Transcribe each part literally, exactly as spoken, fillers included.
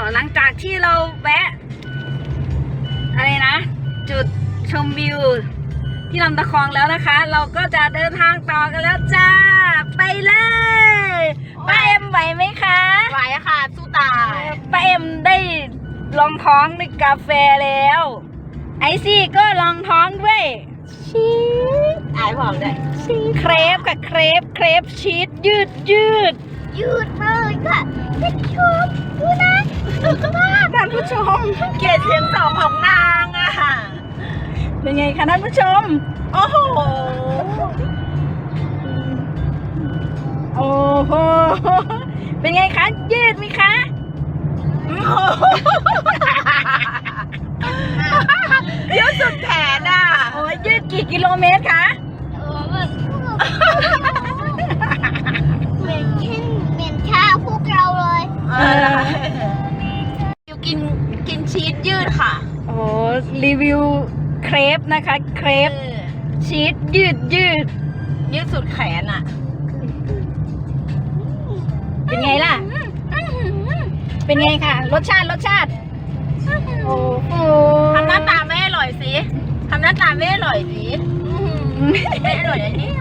หลังจากที่เราแวะอะไรนะ จุดชมวิวที่ลำตะคองแล้วนะคะ เราก็จะเดินทางต่อกันแล้วจ้าไปเลยป้าเอ็มไหวไหมคะไหวค่ะสู้ตายป้าเอ็มได้ลองท้องด้วยกาแฟแล้วไอซี่ก็ลองท้องด้วยชีสอายบอกเลยเครปค่ะเครปเครปชีสยืดยืดยืดเลยค่ะท่านผู้ชมดูนะท่านผู้ชมเกลียดเสียงสองของนางอะเป็นไงคะท่านผู้ชมโอ้โหโอ้โหเป็นไงคะยืดไหมคะยืดสุดแขนอะโอ้ยยืดกี่กิโลเมตรคะเหม็นเช่นเหม็นข้าวพวกเราเลยเอออยู่กินกินชีสยืดค่ะโอ้รีวิวเครปนะคะเครปชีสยืดยืดยืดสุดแขนอะเป็นไงล่ะ เป็นไงค่ะ รสชาติรสชาติ โอ้โหทำหน้าตาไม่อร่อยสิทำหน้าตาไม่อร่อยสิไม่อร่อยอันนี้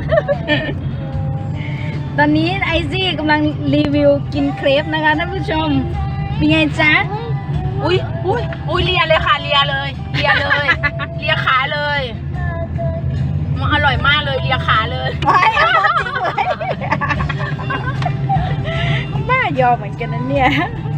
ตอนนี้ไอซี่กำลังรีวิวกินเครปนะคะท่านผู้ชม เป็นไงจ๊ะอุ้ยอุ้ยอุ้ยเลียเลยค่ะเลียเลยเลียเลย เลียขาเลยมันอร่อยมากเลยเลียขาเลยไม่เอาจริงเลยบ้ายอมเหมือนกันนะเนี่ย